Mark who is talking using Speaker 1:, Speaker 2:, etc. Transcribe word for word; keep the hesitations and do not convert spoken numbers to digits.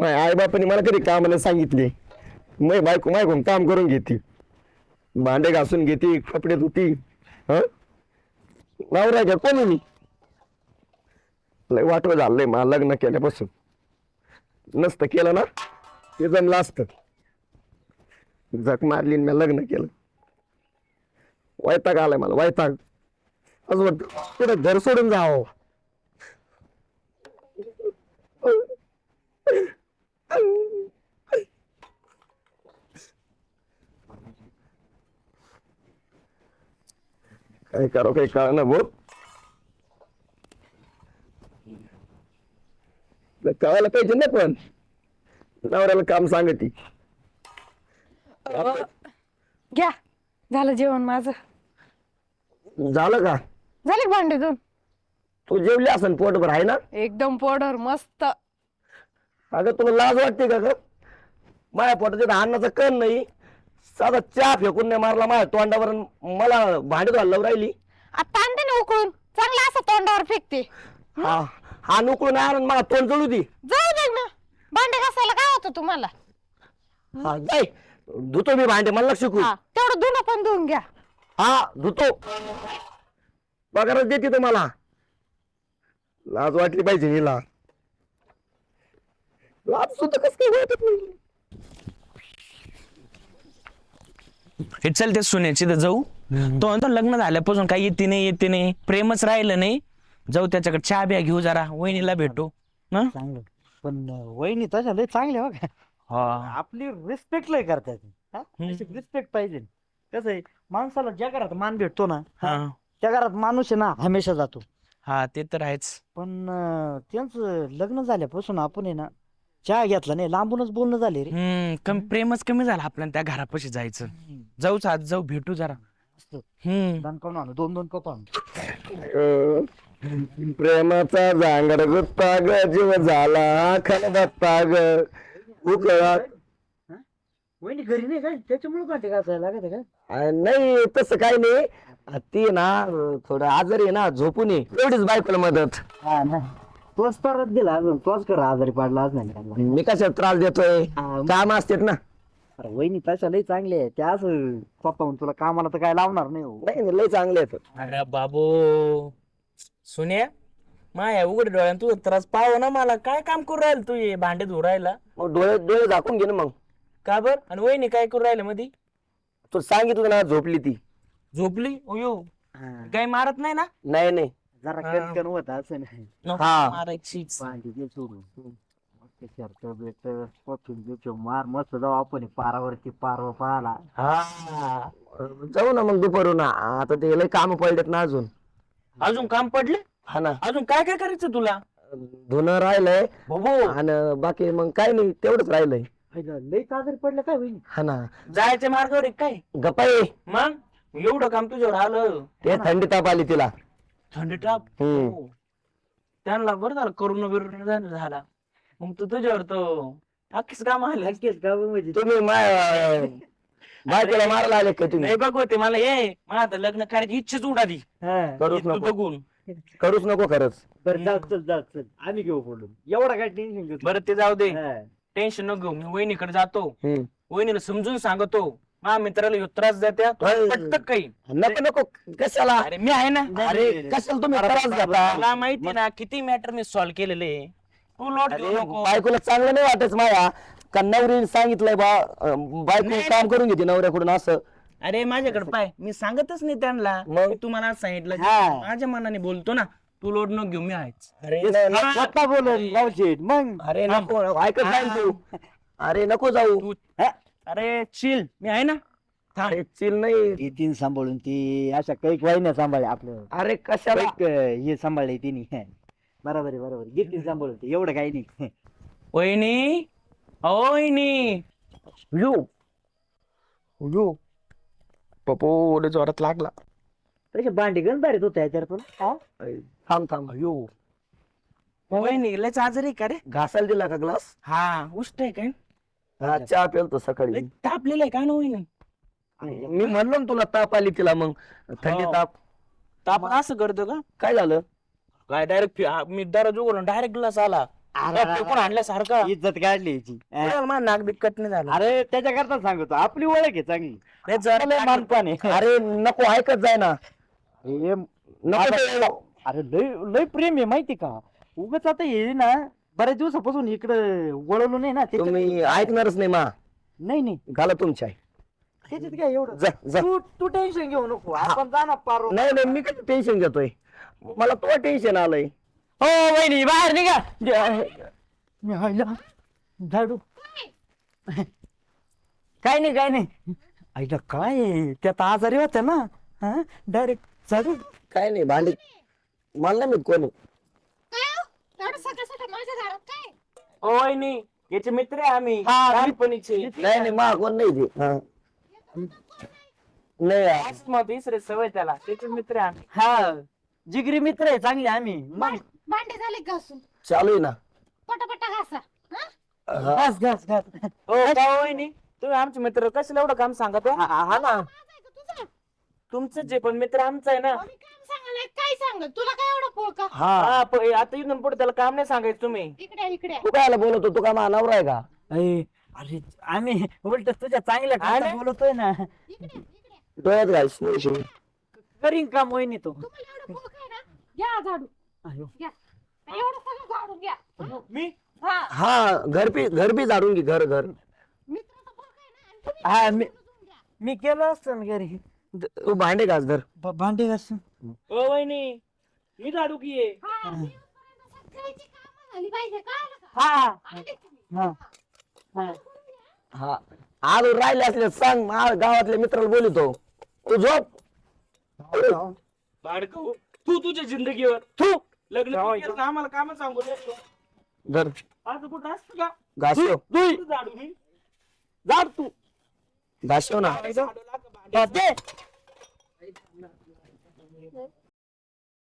Speaker 1: माझ्या आई बापाने मला कधी कामाला सांगितले. मै बायको मायकून काम करून घेते, भांडे घासून घेते, कपडे धुती. हं नवरा घ्या कोणी मी लय वाटवं झालंय मला लग्न केल्यापासून. नसतं केलं ना ते जमलं असतं. जग मारली मी लग्न केलं. वैताग आलाय मला, वैताग. असं वाटतं कुठं घर सोडून जावं. काय करो काही कळ ना भाऊ. कळायला पाहिजे ना पण नवऱ्याला काम सांगती.
Speaker 2: घ्या झालं जेवण माझं.
Speaker 1: झालं का?
Speaker 2: झाले भांडे दोन.
Speaker 1: तू जेवली असन पोटभर आहे ना?
Speaker 2: एकदम पोटभर मस्त.
Speaker 1: अगं तुला लाज वाटते का ग? माझ्या पोटात अन्नाचा कण नाही, साधा चहा फेकून नाही मारला माझ्या तोंडावर, मला भांडी घालून राहिली.
Speaker 2: आता आणते ना उकळून, चांगलं असं तोंडावर फेकते.
Speaker 1: हा हा उकळून आणून मला तोंड जळू दे.
Speaker 2: जाऊ दे ना, भांडे घासायला काय होतं तुम्हाला?
Speaker 1: हा जाय धुतो मी भांडे, मला शिकू.
Speaker 2: हा, तेवढं धुणं पण धुवून घ्या.
Speaker 1: हा धुतो, पगारच देते तुम्हाला. लाज वाटली पाहिजे हिला. लाज सुद्धा कस काय वाटत नाही.
Speaker 3: हे चल ते सुनेची तर जाऊ. तो म्हणतो लग्न झाल्यापासून काही येते नाही येते नाही, प्रेमच राहिलं नाही. जाऊ त्याच्याकडे चहा बिया घेऊ, जरा वहिनीला भेटू. ना
Speaker 4: चांगलं, पण वहिनी तशा लय चांगल्या बघा.
Speaker 3: हा
Speaker 4: आपली रिस्पेक्ट लय करतात. रिस्पेक्ट पाहिजे. कसं आहे, माणसाला ज्या घरात मान भेटतो ना
Speaker 3: हा
Speaker 4: त्या घरात माणूस आहे ना हमेशा जातो.
Speaker 3: हा ते तर आहेच.
Speaker 4: पण अं, त्यांचं लग्न झाल्यापासून आपण आहे ना चहा घेतला नाही, लांबूनच बोलणं झाले रे.
Speaker 3: हम्म कमी प्रेमच कमी झालं आपल्याला त्या घरापाशी जायचं. जाऊच आज जाऊ भेटू जरा.
Speaker 4: मस्त.
Speaker 3: हम्म
Speaker 4: दोन कप आणू, दोन दोन कप आणू.
Speaker 1: अं, प्रेमाचा जांगड गुत्ता ग, जीव झाला खलबत्ता ग उकळा.
Speaker 4: वहिनी घरी नाही काय, त्याच्यामुळे काटे घासायला लागत आहे का?
Speaker 1: अं, नाही तसं काही नाही. अं, ती ना अं, थोडं आजारी आहे ना, झोपून ये एवढीच बायकोला मदत.
Speaker 4: हा ना, तोच परत दिला अजून, तोच करा आजारी पडला आज नाही.
Speaker 1: मी कशात त्रास देतोय?
Speaker 4: हा,
Speaker 1: काम असतात ना.
Speaker 4: अरे वहिनी तशा लय चांगले आहे त्या, असं पप्पा म्हणून तुला कामाला तर काय लावणार नाही हो.
Speaker 1: नाही नाही, लय चांगले आहेत.
Speaker 3: अरे बाबू सुन्या, माया उघड डोळ्यान तू त्रास पाव ना मला. काय काम करू राहिल तू हे भांडे धुवू राहिला?
Speaker 1: मग डोळे डोळे झाकून घे ना मग.
Speaker 3: का बर? आणि वहिनी काय करू राहिले मधी?
Speaker 1: तू सांगितलं ना झोपली ती.
Speaker 3: झोपली? ओयो
Speaker 4: हा,
Speaker 3: काही मारत नाही ना?
Speaker 1: नाही नाही.
Speaker 4: जरा
Speaker 3: हा.
Speaker 4: कणकण होत असं नाही.
Speaker 3: नको
Speaker 1: हा.
Speaker 3: मारायचीच.
Speaker 4: भांडी दे सोडून. मस्त शर्ट बिर्ट पफिन बिफिन मार, मस्त जाऊ आपण पारावरती पारवा पाहाला.
Speaker 1: हा जाऊ ना मग दुपारून. आता ते लय काम पडलेत ना अजून.
Speaker 3: अजून काम पडले?
Speaker 1: हा ना,
Speaker 3: अजून काय काय करायचं तुला?
Speaker 1: धुणं राहिलंय
Speaker 3: बाबू
Speaker 1: आणि बाकी मग काय नाही, तेवढंच राहिलंय.
Speaker 4: लई आजारी पडलं काय वहिनी?
Speaker 1: हा ना.
Speaker 3: जायच्या मार्गावर आहे काय?
Speaker 1: गपाई
Speaker 3: मग एवढं काम तुझ्यावर आलं?
Speaker 1: ते थंडी ताप आली तिला.
Speaker 3: थंडी टाप.
Speaker 1: हम्म.
Speaker 3: हो. त्यांना बरं झालं करोना बिरोना झाला. मग तू तुझ्यावर तो अख्खीच काम आले.
Speaker 4: नक्कीच का म्हणजे
Speaker 1: तुम्ही माय बायकोला मारायला आले का तुम्ही?
Speaker 3: नाही बघ होते मला ये मला आता लग्न करायची इच्छाच उडाली.
Speaker 4: हा.
Speaker 1: करूच
Speaker 3: तू
Speaker 1: नको,
Speaker 3: बघून.
Speaker 1: करूच नको खरंच.
Speaker 4: बरं जाऊ, चल जाऊ, चल आम्ही घेऊ बोलून, एवढा काय टेन्शन घेतो.
Speaker 3: बरं ते जाऊ दे,
Speaker 4: हा.
Speaker 3: टेन्शन नको घेऊ. मी वहिनीकडे जातो,
Speaker 1: हम्म.
Speaker 3: वहिनीला समजून सांगतो. माझ्या मित्राला ह्यो त्रास देत्या
Speaker 1: अरे.
Speaker 3: पटत काही.
Speaker 1: नको नको कशाला?
Speaker 3: अरे मी आहे ना.
Speaker 4: नाही,
Speaker 1: अरे
Speaker 4: नाही, नाही.
Speaker 1: कशाला तुम्ही त्रास घेता?
Speaker 3: मला माहिती ना किती मॅटर मी सॉल्व्ह केलेले. तू लोट घेऊ
Speaker 1: अरे
Speaker 3: नको.
Speaker 1: बायकोला चांगलं नाही वाटत माया का नवरीने सांगितलंय बा अं, बायको
Speaker 3: नाही,
Speaker 1: काम करून घेते नवऱ्याकडून असं.
Speaker 3: अरे माझ्याकडे पाय, मी सांगतच नाही त्यांना.
Speaker 1: मग?
Speaker 3: मी तुम्हाला सांगितलं
Speaker 4: हा.
Speaker 3: माझ्या मनाने बोलतो ना. तू लोड नको घेऊ, मी आहेच.
Speaker 1: अरे न- न-
Speaker 4: स्वतः बोलून गावशेठ मग.
Speaker 1: अरे नको ऐकत नाही तू. अरे नको जाऊ.
Speaker 3: तू
Speaker 4: हा?
Speaker 3: अरे चिल, मी आहे ना. थांब.
Speaker 1: अरे चिल नाही.
Speaker 4: ती तीन सांभाळून ती अशा काही वाहिन्या सांभाळल्या आपलं.
Speaker 1: अरे कशाला?
Speaker 4: कैक, हे सांभाळले तिने. बरोबर आहे, बरोबर आहे. घेतली सांभाळून ती, एवढं काही नाही.
Speaker 3: वहिनी, अहो वहिनी.
Speaker 1: यो यो पप्पो लय जोरात लागला.
Speaker 4: तसे भांडी गण बारीत होत्या याच्यावर पण. हा?
Speaker 1: थांब थांब. यो
Speaker 3: वहिनी लयच आजारी का रे?
Speaker 1: घासायला दिला का ग्लास?
Speaker 3: हा उष्ट आहे काय?
Speaker 1: हा चहा पेलतो सकाळी.
Speaker 3: लय तापलेलं आहे का ना वहिनी?
Speaker 1: मी म्हणलो ना तुला ताप आली तिला, मग थंडी
Speaker 3: हो.
Speaker 1: ताप.
Speaker 3: ताप असं करतो का?
Speaker 1: काय झालं?
Speaker 3: काय डायरेक्ट मी दरवाजा उघडून डायरेक्ट ग्लास आला. कोण आणल्यासारखं
Speaker 4: इज्जत काढली याची अं.
Speaker 3: मला नाक बिकट नाही झालं
Speaker 4: अरे त्याच्याकरता सांगतो आपली ओळख आहे चांगली
Speaker 3: नाही, जरा
Speaker 4: लय मानपान आहे
Speaker 1: अरे नको ऐकत जाय ना
Speaker 4: अरे
Speaker 1: नको
Speaker 4: आता-
Speaker 1: ते-
Speaker 4: अरे लय लय प्रेम आहे माहिती का उगाच आता ये ना बऱ्याच दिवसापासून इकडे वळवलो नाही ना त्याच्यात-
Speaker 1: तुम्ही ऐकणारच नाही मा
Speaker 4: नाही नाही
Speaker 1: घाला तुमच्या आई.
Speaker 4: त्याच्यात काय एवढं
Speaker 1: जा जा
Speaker 4: तू तू टेन्शन घेऊ नको आपण जा ना पारो
Speaker 1: नाही नाही मी कसं टेन्शन घेतोय मला तो टेन्शन आलंय
Speaker 4: हो वहिनी बाहेर निघा झाडू काय नाही काय नाही आईला काय आहे? त्यात आजारी होत्या ना डायरेक्ट झाडू
Speaker 1: काय नाही भांडी मला नाही माहित कोणी
Speaker 2: काय हो? एवढं सकाळ सकाळ माझ्या दारात काय
Speaker 3: ओ वहिनी याचे मित्र आहे आम्ही
Speaker 4: हा,
Speaker 3: लहानपणीचे
Speaker 1: नाही नाही मा कोण नाही ते हा. नाही
Speaker 3: असं मग तिसरे सवय त्याला त्याचे मित्र आहे आम्ही
Speaker 4: हा जिगरी मित्र आहे चांगले आम्ही मग
Speaker 2: भांडे झाले घासून
Speaker 1: चालू आहे ना
Speaker 2: पटापटा घासा हा?
Speaker 1: हा.
Speaker 4: घास घास घास
Speaker 3: हो का हो वहिनी तुम्ही आमचे मित्र कशाला एवढं काम सांगत हो?
Speaker 4: हा हा ना
Speaker 2: माझं आहे का तुझं?
Speaker 3: तुमचं जे पण मित्र आमचा आहे ना
Speaker 2: आम्ही काम सांगायला काय सांग तुला काय एवढं पोळ का
Speaker 1: हा
Speaker 3: हा प- आता इथून पुढे त्याला काम नाही सांगायचं तुम्ही
Speaker 2: इकडे इकडे
Speaker 1: तू कायला बोलतो तू का मा नवरा आहे का
Speaker 4: अरे अरे आम्ही उलट तुझ्या चांगल्या
Speaker 3: अरे.
Speaker 4: करता बोलतोय ना
Speaker 2: इकडे इकडे
Speaker 1: डोळ्यात घालश नाही
Speaker 4: करीन का मोहिनी तो
Speaker 2: तुम्हाला एवढं पोळ काय ना घ्या झाडू
Speaker 4: अयो.
Speaker 2: घ्या एवढं सगळं झाडून घ्या
Speaker 3: मी
Speaker 2: हा
Speaker 1: हा घर बी घर बी झाडून घे घर घर
Speaker 2: मित्राचा पोळ काय ना आणि तुम्ही
Speaker 4: हा मी
Speaker 2: समजून घ्या.
Speaker 4: मी केलं असतं ना घरी
Speaker 1: तू भांडे घास घर
Speaker 4: ब- भांडी घास
Speaker 3: ओ वहिनी मी झाडू की आहे.
Speaker 2: हा, दिवसपर्यंत सगळ्याची कामं झाली पाहिजे कळलं का?
Speaker 4: हा
Speaker 2: आले तुम्ही.
Speaker 4: हा हा
Speaker 1: हा आलो राहिले असले सांग मा गावातल्या मित्राला बोलतो तू झोप
Speaker 3: भाडकं तू तुझ्या जिंदगीवर
Speaker 1: तू
Speaker 3: लग्न तू केलं का आम्हाला काम सांगू शकतो
Speaker 1: घर
Speaker 3: आज कुठं असतं का
Speaker 1: घासव
Speaker 3: तू झाडू मी
Speaker 4: झाड तू
Speaker 1: घासव ना
Speaker 3: झाडू लाग भांडे.
Speaker 4: बस दे